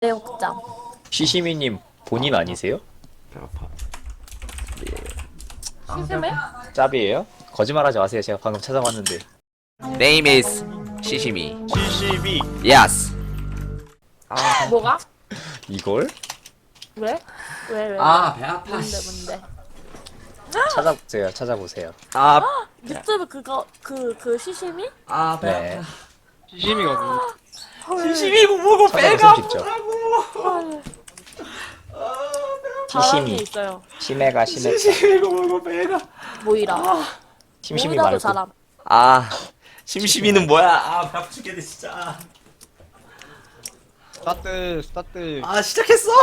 내욕장. 시시미님 본인 아니세요? 배고파. 심심해? 짭이에요? 거짓말하지 마세요. 제가 방금 찾아봤는데. Name is 시시미. 시시미 Yes. 뭐가? 이걸 왜? 왜? 아, 배 아파. 뭔데? 찾아보세요. 찾아보세요. 아, 유튜브 그거 그 시시미? 아, 배 네. 아파. 시시미가 누구? 시시미 보고 찾아보시면 쉽죠. 자랑이 시시미. 있어요. 심해가 심해. 시시미 보고 배가. 모이라. 심심이 모이라도 말고. 사람. 아, 심시미는 뭐야? 아, 배 아파 죽겠네 진짜. 스타트. 아, 시작했어?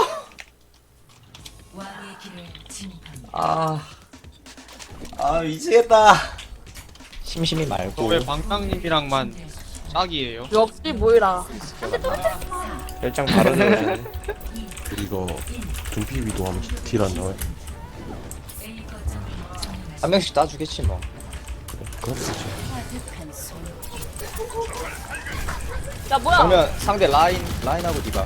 아, 미치겠다. 심심이 말고. 왜 방랑님이랑만 짝이에요? 역시 모이라. 열장 바로 내려주네. 이거 둠피 위도하면 딜 안 나와요? 한 명씩 따주겠지 뭐. 그럼 되지. 야 뭐야? 그러면 상대 라인하고 디바.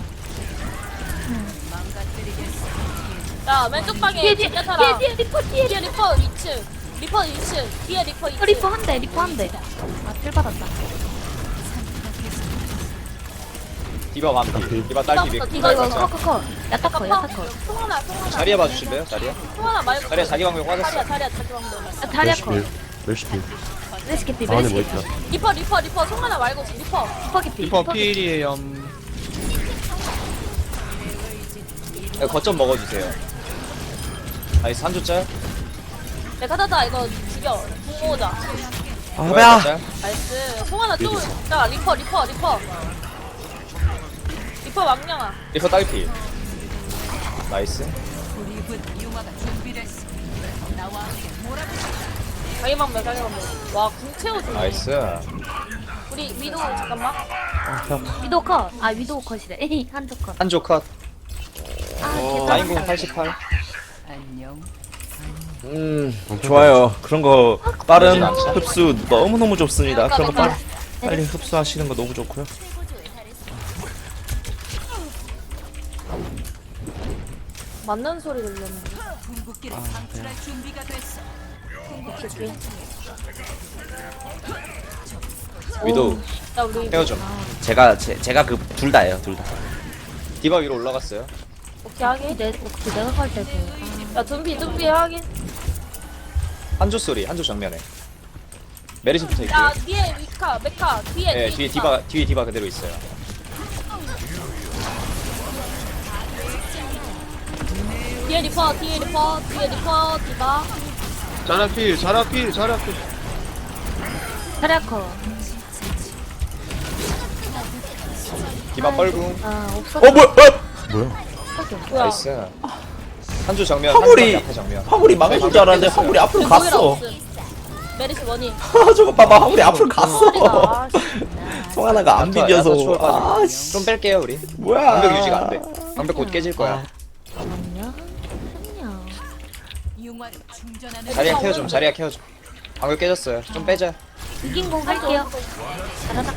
야 왼쪽 방에 진짜사람. 뒤에 리퍼 뒤에 리퍼 2층. 리퍼 2층. 뒤에 리퍼 2층. 리퍼 한 대, 리퍼 한 대. 아, 필 받았다. 디바 완피. 디바 딸기 백. 디바 이거 있어. 커커커. 야타커, 야타커. 송하나. 자리야 봐주실래요? 자리야? 송하나 말고. 자리야 자기 방벽 빠졌어. 자리야 자기 방법. 아, 다리아커. 멜시필 레시케피, 방 안에 뭐 레시케피. 있다. 리퍼 송하나 말고 리퍼. 스파게티. 리퍼 필이에요. 네, 거점 먹어주세요. 나이스 한 조짤. 내가 타다 이거 죽여. 부모자. 아, 배야. 나이스. 송하나 또. 자 리퍼. 리퍼 왕냥아. 리퍼 딸기. 나이스. 자기 방법. 와궁 채워주네. 나이스. 우리 위도 잠깐만. 위도우 컷. 아, 위도우 컷이래. 에이, 한쪽 컷. 한조 컷. 아, 개쩔. 라인공 88. 좋아요. 그런 거 빠른 그러진 않죠. 흡수 너무너무 좋습니다. 그런 거 그러니까 빨리 흡수하시는 거 너무 좋고요. 맞는 소리 들렸는데. 위도우 야 우리 헤어 좀. 제가 그 둘 다예요, 둘 다. 디바 위로 올라갔어요. 오케이 하긴. 내가 갈 때도. 야 dum비 하긴. 한조 소리. 한조 정면에. 메리시 붙어 있고. 야 뒤에 메카 뒤에. 네, 뒤에 디바 그대로 있어요. 뒤에 리퍼 디바. 자라 필. 다리아커. 디바 뻘궁. 아, 없어. 뭐야? 뭐야? 뭐야? 나이스. 한조 정면. 화물이- 한조 앞에 정면. 화물이 망해줄 줄 알았는데 화물이 앞으로 갔어. 메리스 원이. 아, 저거 봐봐. 화물이 앞으로 갔어. 소리가. 송하나가 안 야타 비벼서. 추월까지. 아, 씨. 좀 뺄게요 우리. 뭐야? 방벽 유지가 안 돼. 방벽 곧 깨질 거야. 안녕. 자리야 케어 좀. 자리야 케어 좀. 방벽 깨졌어요. 좀 빼자. 이긴 공 할게요. 잘하다.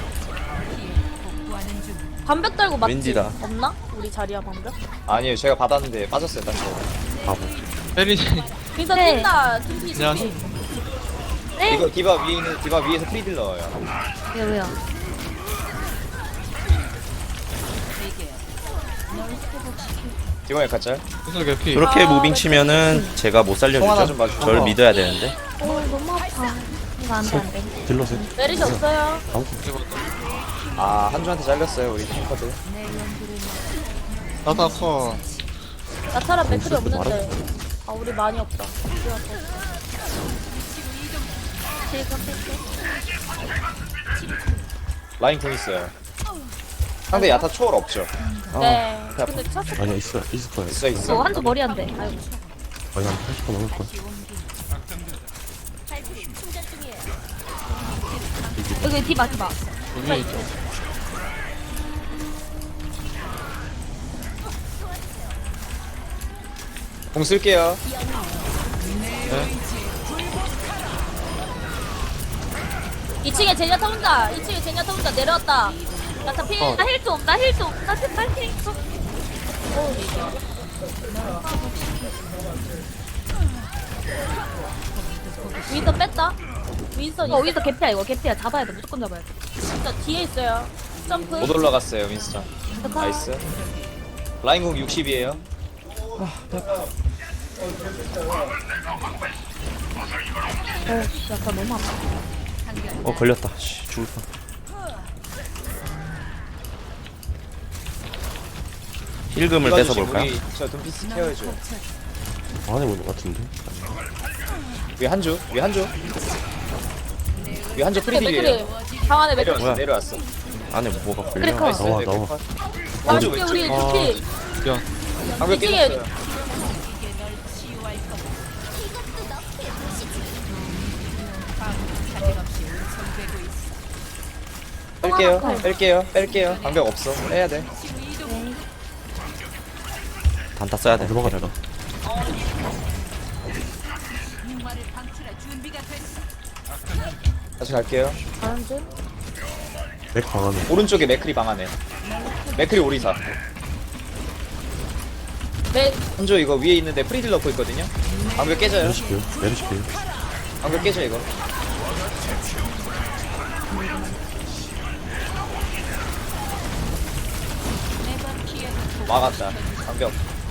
반벽 달고 맞지? 왠지다. 없나? 우리 자리야 반벽? 아니에요. 제가 받았는데 빠졌어요. 딴 거. 바보. 페리. 그래서 네. 뛴다 둠피. 네? 이거 디바 위에 있는 디바 위에서 프리딜 넣어요. 왜요? 디바에 가짤. 무슨 개피? 그렇게 무빙 치면은 제가 못 송 하나 좀 살려주죠. 봐줘. 절 믿어야 되는데. 너무 아파. 이거 안 돼, 안 돼. 딜러세요? 메리시 없어요. 아 한조한테 잘렸어요 우리 탱커들. 나타커. 나타랑 맥클이 없는데. 아 우리 많이 없다. 라인 공 있어요. 상대 야타 초월 없죠? 네. 배 아파. 근데 찼을 아니야 있을 거야. 있어 있어. 한쪽 머리 안 돼. 아이고. 아니 한 80% 넘을 거야. 여기 디바. 여기 있죠. 공 쓸게요. 네. 2층에 제냐타 혼자. 2층에 제냐타 혼자 내려왔다. 나타 필. 어. 나 힐 좀. 나 제발 힐 좀. 윈서 뺐다. 윈서 위도 개피야 이거 개피야. 잡아야 돼. 무조건 잡아야 돼. 진짜 뒤에 있어요. 점프. 못 올라갔어요 윈스턴. 나이스. 라인공 60이에요. 씨, 약간 너무 아파. 걸렸다. 씨, 죽을 뻔. 힐금을 뺏어 볼까요? 우리 저 둠피스 케어해줘. 안에 보는 것 같은데. 위에 한조. 위에 한조. 위에 한조 맥크리 프리딜이에요. 맥크리. 방 안에 맥크리. 내려왔어. 뭐야? 내려왔어. 안에 뭐가 걸려? 그래, 컷. 나와, 네, 나와. 컷. 와 한조 이게 왼쪽. 우리 루피. 방벽 이게- 깨졌어요. 뺄게요. 방벽 없어. 빼야 돼. 단타 써야 돼. 들어가 내가. 다시 갈게요. 가는 중. 맥 방안에. 오른쪽에 맥크리 방 안에. 맥크리 오리사. 맥 한조 이거 위에 있는데 프리딜 넣고 있거든요. 방벽 깨져요. 메르시필. 메르시필. 방벽 깨져 이거. 막았다. 방벽.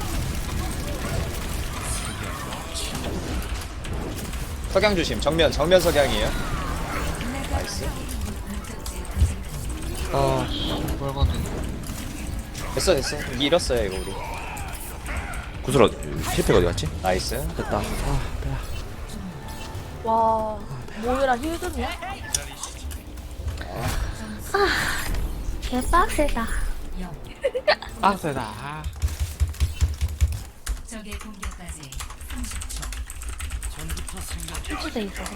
석양 조심. 정면 석양이에요. 나이스. 아, 빨간데. 됐어. 밀었어요 이거 우리. 구슬 힐팩 어디 갔지? 나이스. 됐다. 와 모이라 힐드냐? 개빡세다. 빡세다. 힐주돼 있어.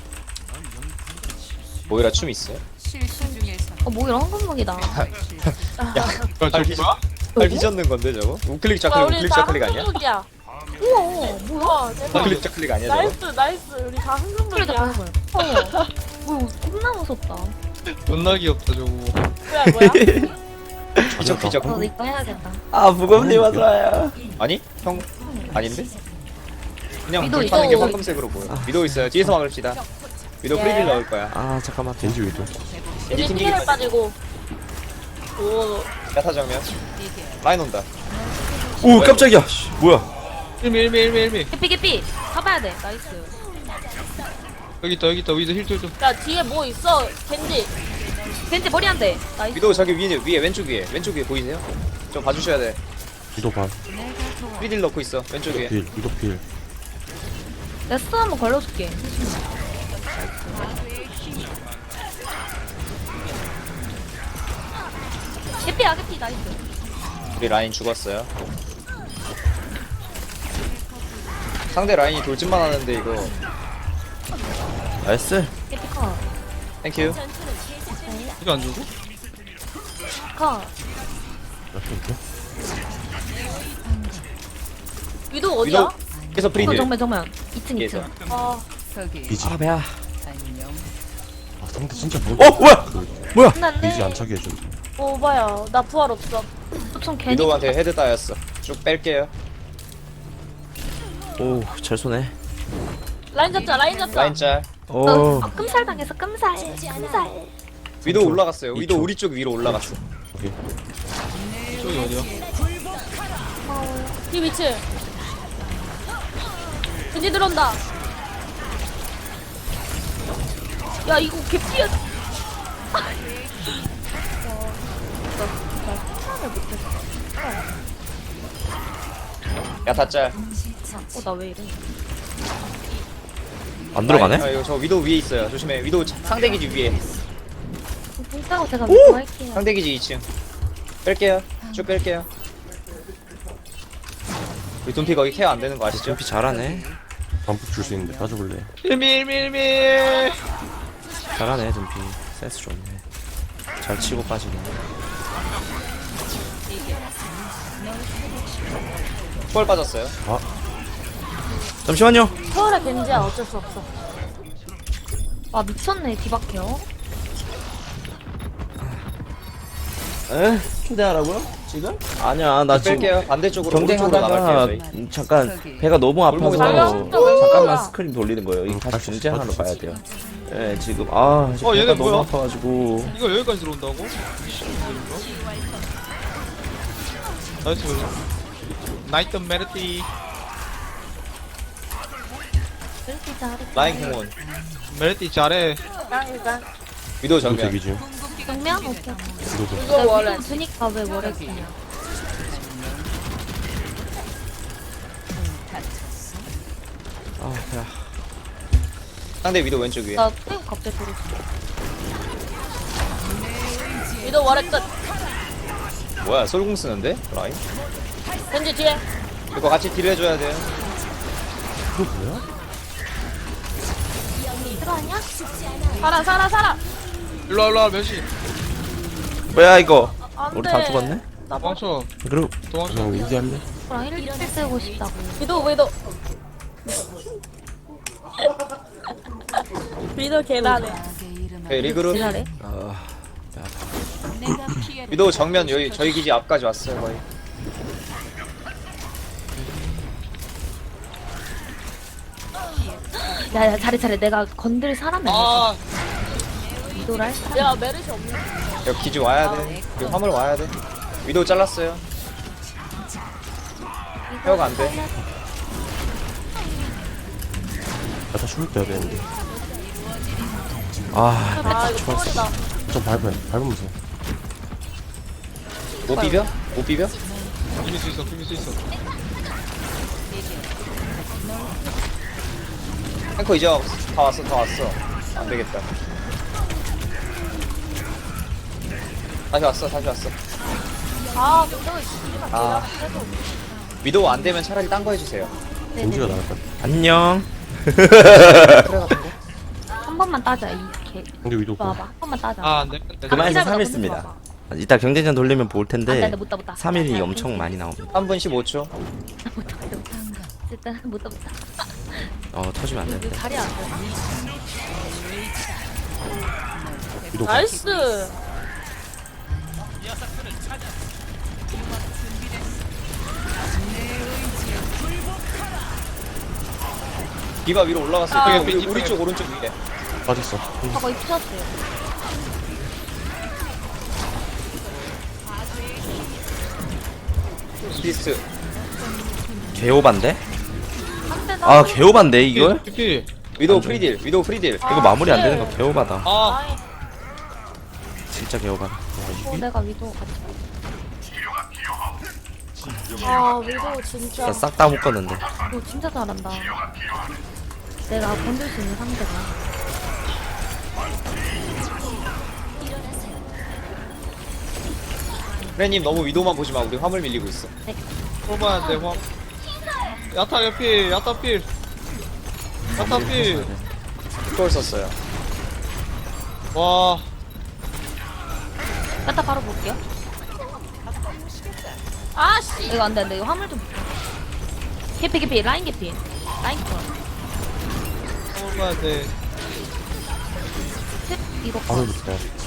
모이라 춤 있어요? 뭐 이런 한건목이다. 야, 발 저기 휘- 뭐야? 발 휘젓는 건데 저거? 우클릭 와 좌클릭 우리 우클릭 다 좌클릭 아니야? 흥분이야. 우와 우와 대박. 우클릭 좌클릭 아니야 저거? 나이스 우리 다 소리도 흥분이야. 가는 거야. 뭐 겁나 무섭다. 존나 귀엽다 저거. 뭐야? 휘적 너 이거 해야겠다. 아, 무겁니 맞아요. 아니? 형 아닌데? 그냥 위도 불 타는 게 있어. 황금색으로 보여. 위도 있어요. 뒤에서 막읍시다. 위도 예. 프리딜 넣을 거야. 아, 잠깐만. 겐지 위도. 이제 튕기기 피해를 빠지고. 오 야타 정면. 라인 온다. 오, 깜짝이야. 씨, 뭐야? 1미. 개피. 잡아야 돼. 나이스. 여기 있다. 위도 힐 좀. 야 뒤에 뭐 있어 겐지. 겐지 머리 안 돼. 나이스. 위도 저기 위에 왼쪽 위에 보이세요? 좀 봐주셔야 돼. 위도 반. 프리딜 넣고 있어. 왼쪽 위에. 필. 위도 필. 내가 스톤 한번 걸러줄게. 개피 나이스. 우리 라인 죽었어요. 상대 라인이 돌진만 하는데 이거. 나이스. 개피 커. 땡큐. 이거 안 주고? 커. 이렇게 이렇게. 위도 어디야? 위도 계속 프리딜. 정면. 2층. 뒤에서. 아 비지. 아, 배야. 아 상대 진짜 뭐. 뭐야? 끝났네. 비지 안 차게 해준. 오바야 나 부활 없어. 좀 괜히. 위도한테 헤드 따였어. 쭉 뺄게요. 오, 잘 쏘네. 라인 잡자. 라인 짤. 오. 끔살 당해서 끔살. 위도 올라갔어요. 위도 우리 쪽 위로 올라갔어. 오케이. 저기 어디야? 이 위치. 겐지 들어온다. 야 이거 개피야. 야타 짤. 나 왜 이래? 안 들어가네? 아, 이거 저 위도 위에 있어요. 조심해. 위도 상대 기지 위에. 진짜고 제가 믿고 할게요. 상대 기지 2층. 뺄게요. 쭉 뺄게요. 우리 둠피 거기 케어 안 되는 거 아시죠? 점피 잘하네. 반복 줄 수 있는데 따져볼래. 1미. 잘하네, 점피. 센스 좋네. 잘 치고 빠지네. 펄 빠졌어요. 잠시만요. 서울의 겐지야 어쩔 수 없어. 아 미쳤네 디바케어. 에? 기대하라고요? 지금? 아니야 나 지금 뺄게요. 반대쪽으로 오른쪽으로 경쟁하다가 나갈게요 저희. 잠깐 배가 너무 아파서 골목에서 잠깐만 스크린 돌리는 거예요. 이 다시 중재하러 가야 돼요. 예 지금 지금 배가 얘네 너무 뭐야? 아파가지고 이거 여기까지 들어온다고? 나이스. 나이트 메르티. 이렇게 잘해. 라인 공원. 메르티 잘해. 위도 위도 정면. 대기 중. 정면? 오케이. 위도도. 이거 원래 주니까 왜 뭐래 그냥. 아 배야. 상대 위도 왼쪽 위에. 나 땡 갑자기 들었어. 위도 월에 끝. 뭐야 솔공 쓰는데? 라인? 겐지 뒤에. 이거 같이 딜 해줘야 돼요. 이거 뭐야? 들어왔냐? 살아. 일로와 몇시? 뭐야 이거? 안 우리 돼. 다 죽었네? 도망쳐. 그리고 도망쳐. 그냥 윈디 할래? 그럼 1킬 쓰고 싶다고. 위도. 위도 계단에. 오케이 리그룹. 지랄해? 위도 정면 여기 저희 기지 앞까지 왔어요 거의. 야야 잘해. 내가 건들 사람이 아니야. 아, 이도랄 사람. 야 메르시 없네. 여기 기지 와야 돼. 여기 화물 와야 돼. 위도 잘랐어요. 헤어가 안 돼. 야다 죽을 때야 되는데. 아 이거 소리다. 좀 밟으면서. 못 비벼? 못 비벼? 비빌 수 있어. 탱커 이제 다 왔어. 안 되겠다. 다시 왔어. 아 근데 씨발 아. 계단 위도 안 되면 차라리 딴 거 해주세요. 겐지가 나을 것 같아. 안녕. 한 번만 따자 이렇게. 근데 위도 봐봐. 한 번만 따자. 아, 안 돼. 그만해서 기다려봐, 3일 씁니다. 이따 경쟁전 돌리면 볼 텐데 안돼 못 따. 3일이 엄청 많이 나옵니다. 3분 15초. 일단 못 따. 터지면 안 이거 되는데. 자리 안 돼. 위도. 나이스. 디바 위로 올라갔어요. 아, 우리 쪽 오른쪽 위에. 빠졌어. 저거 입혔어요. 비스트. 개오반데? 한대 아 개오반데 이걸? 피피. 위도 프리딜. 이거 마무리 안 되는 거 개오바다. 아, 아이 진짜 개오바다. 내가 위도 같이. 위도 진짜. 싹 다 묶었는데. 너 진짜 잘한다. 내가 건들 수 있는 상대가. 프레님 너무 위도만 보지 마. 우리 화물 밀리고 있어. 뽑아야 돼, 화. 야타 개피, 야타 필. 그걸 썼어요. 와, 갖다 바로 볼게요. 아씨. 이거 안 돼. 이거 화물 좀. 개피. 라인 개피. 라인 컷. 뽑아야 돼. 셋, 이거 컷. 바로 붙어야 돼.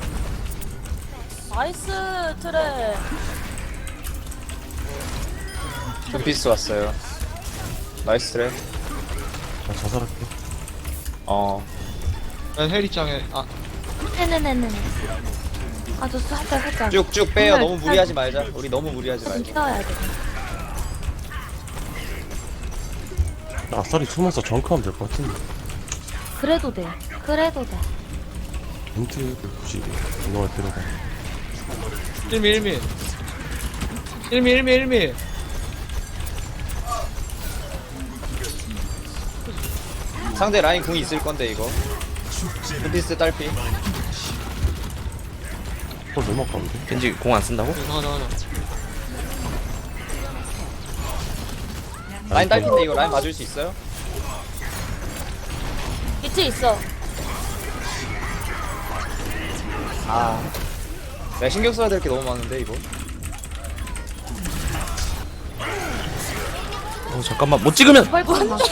나이스 트레. 둠피스 왔어요. 나이스 트랩. 나 자살할게. 난 헬리짱에, 네네네네. 아, 저 살짝. 쭉쭉 빼요. 정말 너무 무리하지 말자. 우리 너무 무리하지 좀 말자. 키워야 돼. 나 아싸리 숨어서 정크하면 될 것 같은데. 그래도 돼. 벤트를 굳이 운동할 필요가. 1미. 상대 라인 궁이 있을 건데 이거. 둠피스 딸피. 너무 아까운데? 왠지 공 안 쓴다고? 하나. 라인 딸피인데 이거 라인 봐줄 수 있어요? 비트 있어. 아. 내가 신경 써야 될 게 너무 많은데 이거. 잠깐만 못 찍으면. 펄펄 나.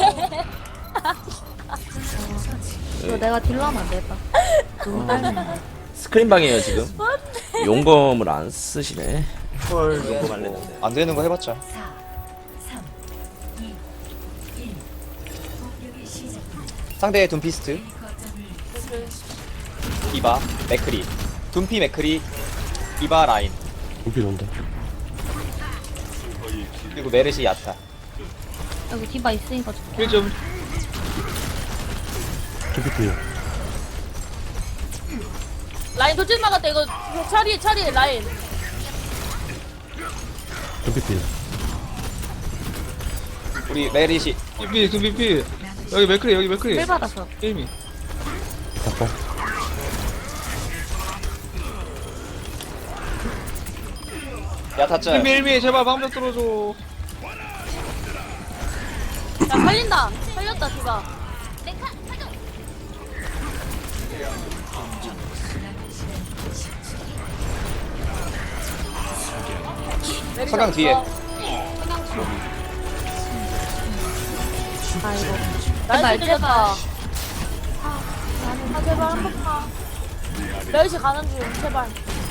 이거 내가 딜러 하면 안 되겠다. 너무 딸리네. 스크린 방이에요 지금. 용검을 안 쓰시네. 헐 이거 말랬는데. 안 되는 거 해봤자. 상대의 둠피스트, 디바, 맥크리, 둠피 맥크리, 디바 라인, 둠피 논다. 그리고 메르시 야타. 여기 디바 있으니까 좋다. 1점. 둠피 필. 라인 돌진 막았다. 이거 차리 라인. 둠피 필. 우리 메르시 둠피 둠피. 여기 맥크리 여기 맥크리. 힐 받았어. 게임이. 잡고. 야타 짤. 1미 제발 방벽 뚫어줘. 야 살린다. 살렸다 디바. 메르시 석양 뒤에. 없어. 아이고. 나이스 제발, 들렸다. 아 제발 한 번만. 메르시 가는 중 제발.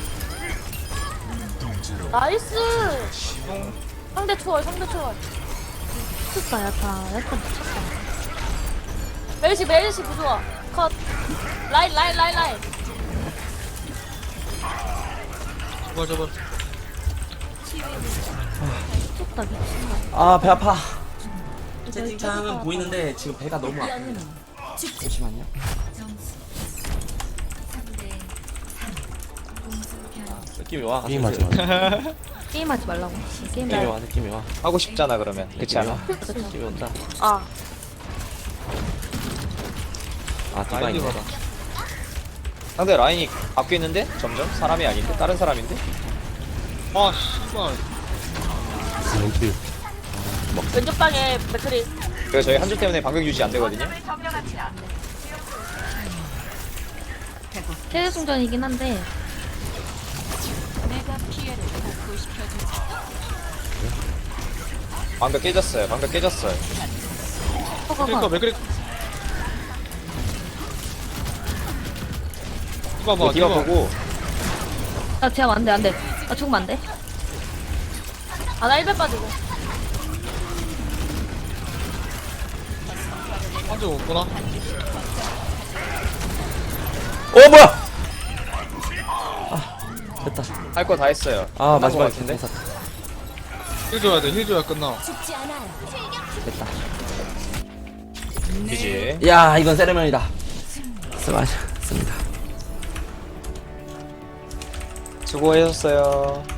나이스. 상대 초월. 미쳤다, 야타. 야타 미쳤다. 메르시 부좋아. 컷. 라인. 제발. 미쳤다, 미친다. 아 배 아파. 채팅창은 보이는데 지금 배가 너무 아파. 잠시만요. 느낌이 와. 게임하지 마. 게임하지 말라고. 게임 느낌이 와. 느낌이 와. 하고 싶잖아 그러면. 그렇지 않아? 느낌이 온다. 아. 아 디바 라인이 있네. 받아. 상대 라인이 바뀌었는데 점점 사람이 아닌데 다른 사람인데. 아 씨발. 둠피. 왼쪽 방에 맥크리. 그래서 저희 한줄 때문에 방벽 유지 안 되거든요. 최대 승전이긴 한데. 방벽 깨졌어요. 그러니까 맥크리. 디바 봐. 디바 보고 나 제압 안 돼, 안 돼. 나 죽으면 안 돼. 아나 1배 빠지고. 한쪽 없구나. 어 뭐야? 아 됐다. 할 거 다 했어요. 아 끝난 거 마지막에 같은데. 괜찮다. 힐 줘야 돼. 힐 줘야 끝나. 됐다. 그지. 야 이건 세레머니다. 수고하셨습니다. 수고하셨어요.